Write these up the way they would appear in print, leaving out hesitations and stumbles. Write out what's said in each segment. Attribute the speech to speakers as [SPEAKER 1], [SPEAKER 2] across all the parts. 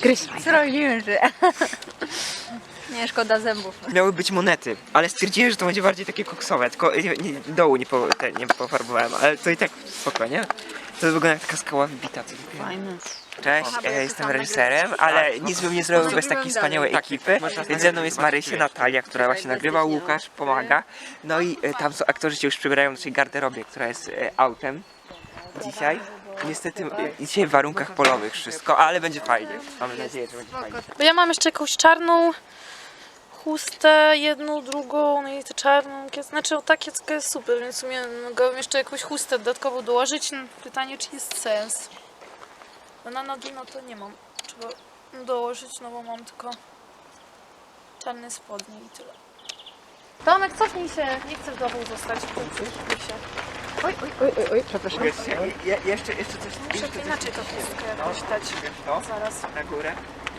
[SPEAKER 1] Zrobiłem, że... Nie, szkoda zębów.
[SPEAKER 2] Miały być monety, ale stwierdziłem, że to będzie bardziej takie koksowe, tylko dołu nie pofarbowałem, ale to i tak spoko, nie? To wygląda jak taka skała wybita.
[SPEAKER 1] Fajne.
[SPEAKER 2] Cześć, jestem reżyserem, ale nic bym nie zrobił bez takiej wspaniałej ekipy. Więc ze mną jest Marysia, Natalia, która właśnie nagrywa, Łukasz pomaga. No i tam są aktorzy się już przebierają w naszej garderobie, która jest autem dzisiaj. Niestety dzisiaj w warunkach polowych wszystko, ale będzie fajnie. Mamy nadzieję, że będzie fajnie.
[SPEAKER 3] Bo ja mam jeszcze jakąś czarną chustę, jedną, drugą, no i tę czarną, znaczy ta kiecka jest super, więc w sumie mogłabym jeszcze jakąś chustę dodatkowo dołożyć. Pytanie, czy jest sens. No na nogi no to nie mam. Trzeba dołożyć, no bo mam tylko czarne spodnie i tyle. Tomek, cofnij się, nie chcę w domu zostać. Cofnij się.
[SPEAKER 1] Oj, przepraszam.
[SPEAKER 2] Jeszcze coś.
[SPEAKER 3] Muszę to inaczej to chustkę jakoś dać.
[SPEAKER 2] To?
[SPEAKER 3] Zaraz.
[SPEAKER 2] Na górę.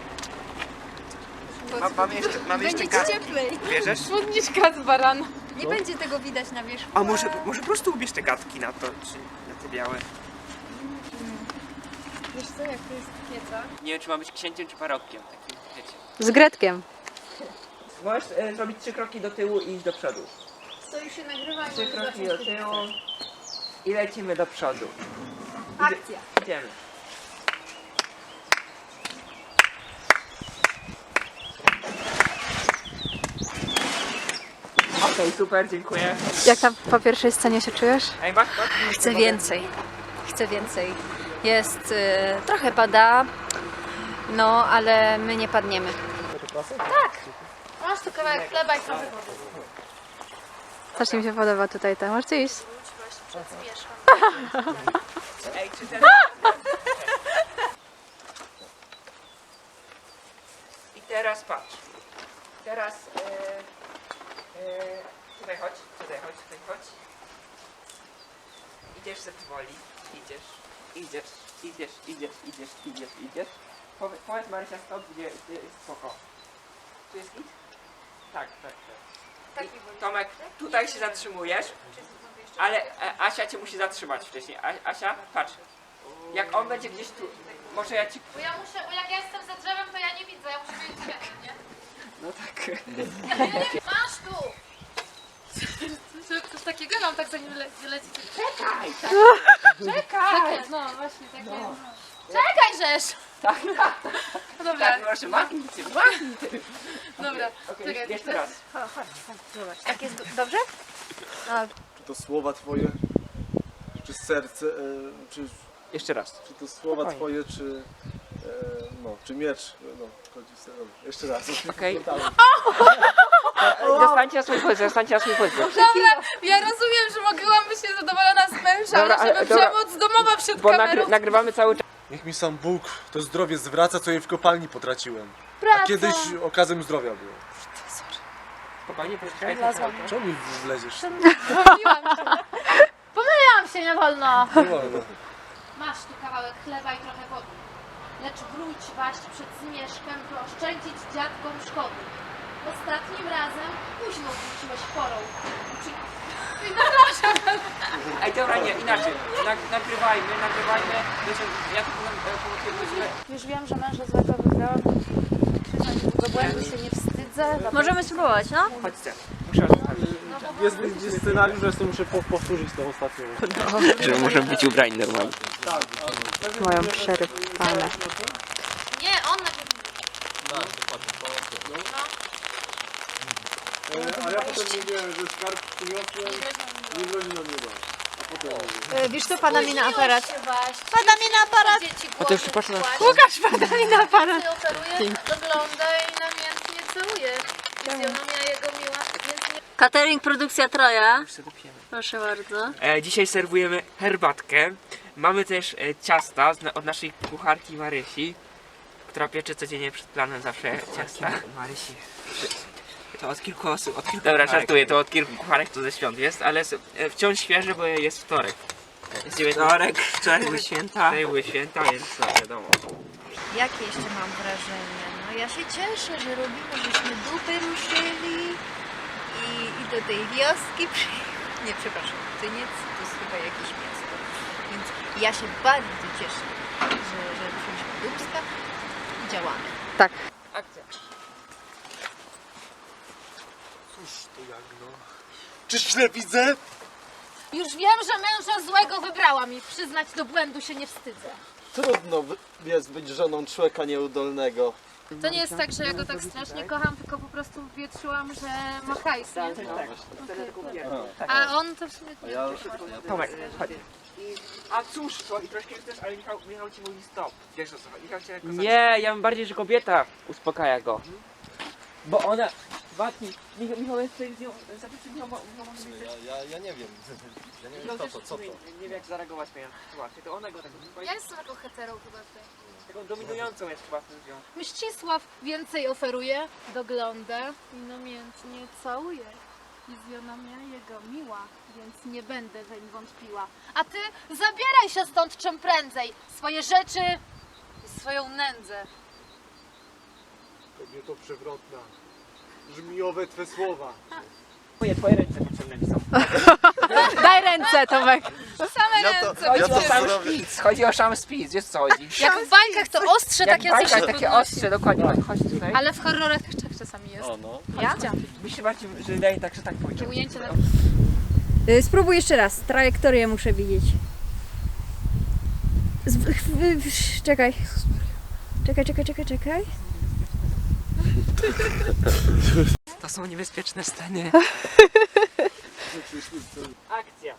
[SPEAKER 2] Mamy jeszcze
[SPEAKER 1] Będzie
[SPEAKER 2] gadki.
[SPEAKER 1] ci cieplej.
[SPEAKER 2] Bierzesz?
[SPEAKER 3] Spódniczka z barana.
[SPEAKER 1] Nie będzie tego widać na wierzchu.
[SPEAKER 2] A może po prostu ubierz te gadki na to, czy na te białe.
[SPEAKER 3] Wiesz co, jak to jest kieca?
[SPEAKER 2] Nie wiem, czy ma być księciem, czy parobkiem, takim, wiecie.
[SPEAKER 1] Z Gretkiem.
[SPEAKER 2] Możesz zrobić 3 kroki do tyłu i iść do przodu.
[SPEAKER 3] Stoisz się nagrywa
[SPEAKER 2] 3 kroki do tyłu i lecimy do przodu.
[SPEAKER 1] Akcja.
[SPEAKER 2] Idziemy. Okej, super, dziękuję.
[SPEAKER 1] Jak tam po pierwszej scenie się czujesz?
[SPEAKER 2] Ej, masz to?
[SPEAKER 1] Chcę więcej. Chcę więcej. Jest... trochę pada, no ale my nie padniemy.
[SPEAKER 3] Masz tu kawałek chleba i trochę wody.
[SPEAKER 1] Strasznie mi się podoba tutaj to. Możesz iść?
[SPEAKER 2] Ej, czy teraz... I teraz patrz. Teraz... tutaj chodź. Idziesz ze powoli. Idziesz. Powiedz Marysia stop, gdzie jest spoko. Tu jest git? Tak. I, Tomek, tutaj się zatrzymujesz, ale Asia cię musi zatrzymać wcześniej. Asia, patrz. Jak on będzie gdzieś tu, może ja ci...
[SPEAKER 3] Bo jak ja jestem za drzewem, to ja nie widzę, ja muszę mieć światło, nie?
[SPEAKER 2] No tak.
[SPEAKER 3] Masz tu! Coś takiego mam, tak zanim wyleci.
[SPEAKER 2] Czekaj!
[SPEAKER 3] Czekaj! No właśnie, takie. No. Czekaj, żeż!
[SPEAKER 2] Tak,
[SPEAKER 3] No dobra,
[SPEAKER 2] tak, proszę, machnij ty.
[SPEAKER 3] dobra.
[SPEAKER 2] Okej,
[SPEAKER 3] Czekaj,
[SPEAKER 2] jeszcze raz.
[SPEAKER 1] Tak jest dobrze?
[SPEAKER 4] Czy to słowa Twoje, czy serce, czy
[SPEAKER 2] Jeszcze raz.
[SPEAKER 4] to słowa
[SPEAKER 2] Spokojnie.
[SPEAKER 4] Twoje, czy, czy miecz, chodzi sobie. Jeszcze raz.
[SPEAKER 2] Okej. Zostańcie na swój pozycji.
[SPEAKER 3] Dobra, ja rozumiem, że mogłam być niezadowolona z męża,
[SPEAKER 2] Dobra,
[SPEAKER 3] ale żeby
[SPEAKER 2] ale- dobra.
[SPEAKER 3] przemoc domowa przed
[SPEAKER 2] Bo
[SPEAKER 3] kamerą.
[SPEAKER 2] nagrywamy cały czas.
[SPEAKER 4] Niech mi sam Bóg to zdrowie zwraca, co je w kopalni potraciłem.
[SPEAKER 3] Praca.
[SPEAKER 4] A kiedyś okazem zdrowia było.
[SPEAKER 2] Spokojnie, poczekaj.
[SPEAKER 4] Czemu mi wleziesz?
[SPEAKER 3] Pomyliłam się, nie wolno.
[SPEAKER 4] Nie wolno.
[SPEAKER 3] Masz tu kawałek chleba i trochę wody. Lecz wróć waść przed zmierzchem, by oszczędzić dziadkom szkody. Ostatnim razem późno wróciłeś porą.
[SPEAKER 2] Ej, dobra, nie, inaczej. Nagrywajmy. Wiecie, ja tylko pomogę.
[SPEAKER 3] Już wiem, że męża złego wygrałam. Do błędu się nie wstydzę.
[SPEAKER 1] Możemy spróbować, no?
[SPEAKER 2] Chodźcie. Muszę zostawić.
[SPEAKER 4] Jest scenariusz, że sobie muszę powtórzyć tą ostatnią.
[SPEAKER 2] Że możemy być ubrani normalnie.
[SPEAKER 1] Moją przerypanę.
[SPEAKER 3] Nie, on nagrywa.
[SPEAKER 4] A ja potem mówiłem, że skarb przyniosłem, nie grozi nam nieba. A potem
[SPEAKER 1] Wiesz co, pada mi na aparat.
[SPEAKER 3] Pada mi na aparat.
[SPEAKER 2] A to już patrzę na...
[SPEAKER 1] Łukasz, pada mi na aparat.
[SPEAKER 3] Operuje, ogląda i namiętnie całuje. Fizjonomia jego miła, więc nie...
[SPEAKER 1] Catering produkcja Troja.
[SPEAKER 2] Już sobie dopijemy.
[SPEAKER 1] Proszę bardzo.
[SPEAKER 2] Dzisiaj serwujemy herbatkę. Mamy też ciasta od naszej kucharki Marysi, która piecze codziennie przed planem zawsze ciasta. Marysi. To od kilku osób, Dobra, żartuję, to od kilku kucharek to ze świąt jest, ale wciąż świeże, bo jest wtorek. Wtorek, wczoraj były święta, więc no, wiadomo.
[SPEAKER 5] Jakie jeszcze mam wrażenie? No ja się cieszę, że robimy, żeśmy dupy ruszyli i do tej wioski Nie, przepraszam, Tyniec to jest chyba jakieś miasto. Więc ja się bardzo cieszę, że ruszyliśmy do Dubska. działamy.
[SPEAKER 1] Tak.
[SPEAKER 2] Akcja.
[SPEAKER 4] Cóż to jak no? Czy źle widzę?
[SPEAKER 3] Już wiem, że męża złego wybrałam i przyznać do błędu się nie wstydzę.
[SPEAKER 6] Trudno jest być żoną człowieka nieudolnego.
[SPEAKER 3] To nie jest tak, że ja go tak strasznie kocham, tylko po prostu wietrzyłam, że ma hajs, nie?
[SPEAKER 2] Tak, wtedy tylko mówię.
[SPEAKER 3] A on to w sumie nie
[SPEAKER 6] Ja,
[SPEAKER 2] Tomek, chodź. A cóż, to i troszkę chcesz, ale Michał ci mówi stop. Wiesz o co chodzi? Michał cię jako nie, ja mam bardziej, że kobieta uspokaja go. Bo ona... Watni, Michał jest tutaj z nią... Zapytaj Michał,
[SPEAKER 6] ja nie wiem. Ja nie
[SPEAKER 2] Michał
[SPEAKER 6] wiem
[SPEAKER 2] też
[SPEAKER 6] co to.
[SPEAKER 2] nie wie jak zareagować na sytuację. To ona go tak...
[SPEAKER 3] Ja jestem taką hetero chyba tutaj.
[SPEAKER 2] Taką dominującą jest chyba w tym związku.
[SPEAKER 3] Mścisław więcej oferuje, dogląda i namiętnie całuje. Fizjona mnie jego miła, więc nie będę weń wątpiła. A ty zabieraj się stąd czym prędzej, swoje rzeczy i swoją nędzę.
[SPEAKER 4] Kobieto przewrotna. Żmijowe twe słowa.
[SPEAKER 2] Twoje ręce potrzebne mi są.
[SPEAKER 1] Daj ręce, Tomek.
[SPEAKER 3] Same ręce.
[SPEAKER 2] Chodzi o sam
[SPEAKER 6] zrobię.
[SPEAKER 2] szpic, chodzi o sam szpic, wiesz co chodzi?
[SPEAKER 3] Jak w bajkach to ostrze
[SPEAKER 2] Jak
[SPEAKER 3] takie
[SPEAKER 2] bajka,
[SPEAKER 3] coś się
[SPEAKER 2] takie
[SPEAKER 3] podnosi.
[SPEAKER 2] ostrze, dokładnie. Chodź tutaj.
[SPEAKER 3] Ale w horrorach też tak czasami jest.
[SPEAKER 6] O no.
[SPEAKER 3] Ja?
[SPEAKER 2] Mi się bardziej że wydaje tak, że tak pójdzie.
[SPEAKER 3] Takie ujęcie na...
[SPEAKER 1] Spróbuj jeszcze raz. Trajektorię muszę widzieć. Czekaj. Czekaj.
[SPEAKER 2] To są niebezpieczne sceny. Akcja.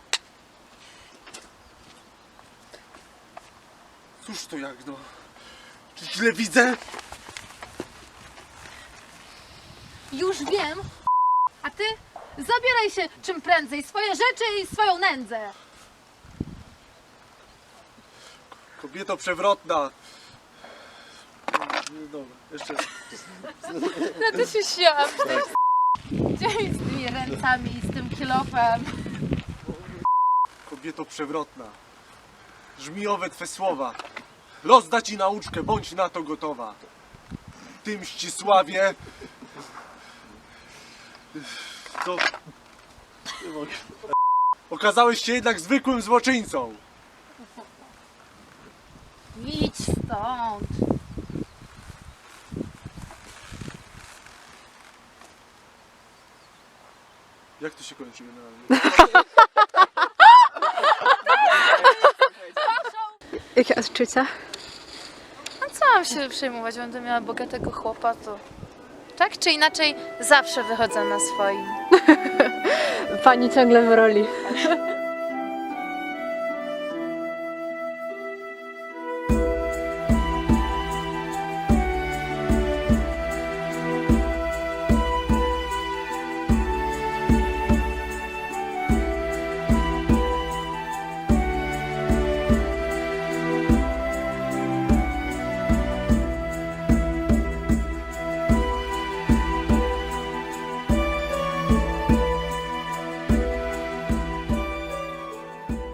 [SPEAKER 4] Cóż to jak no? Czy źle widzę?
[SPEAKER 3] Już wiem. A ty zabieraj się czym prędzej, swoje rzeczy i swoją nędzę.
[SPEAKER 4] Kobieto przewrotna. No dobra, jeszcze.
[SPEAKER 3] Ja to się śmiałam. Gdzie mi z tymi ręcami i z tym kilofem?
[SPEAKER 4] Kobieto przewrotna. Żmijowe twe słowa. Los da ci nauczkę, bądź na to gotowa. Ty Mścisławie. To... Nie mogę. Okazałeś się jednak zwykłym złoczyńcą.
[SPEAKER 3] Idź stąd.
[SPEAKER 4] Jak to się kończy generalnie?
[SPEAKER 1] Jakie odczucia?
[SPEAKER 3] A co mam się przejmować? Będę miała bogatego chłopa, to... Tak czy inaczej zawsze wychodzę na swoim.
[SPEAKER 1] Pani ciągle w roli.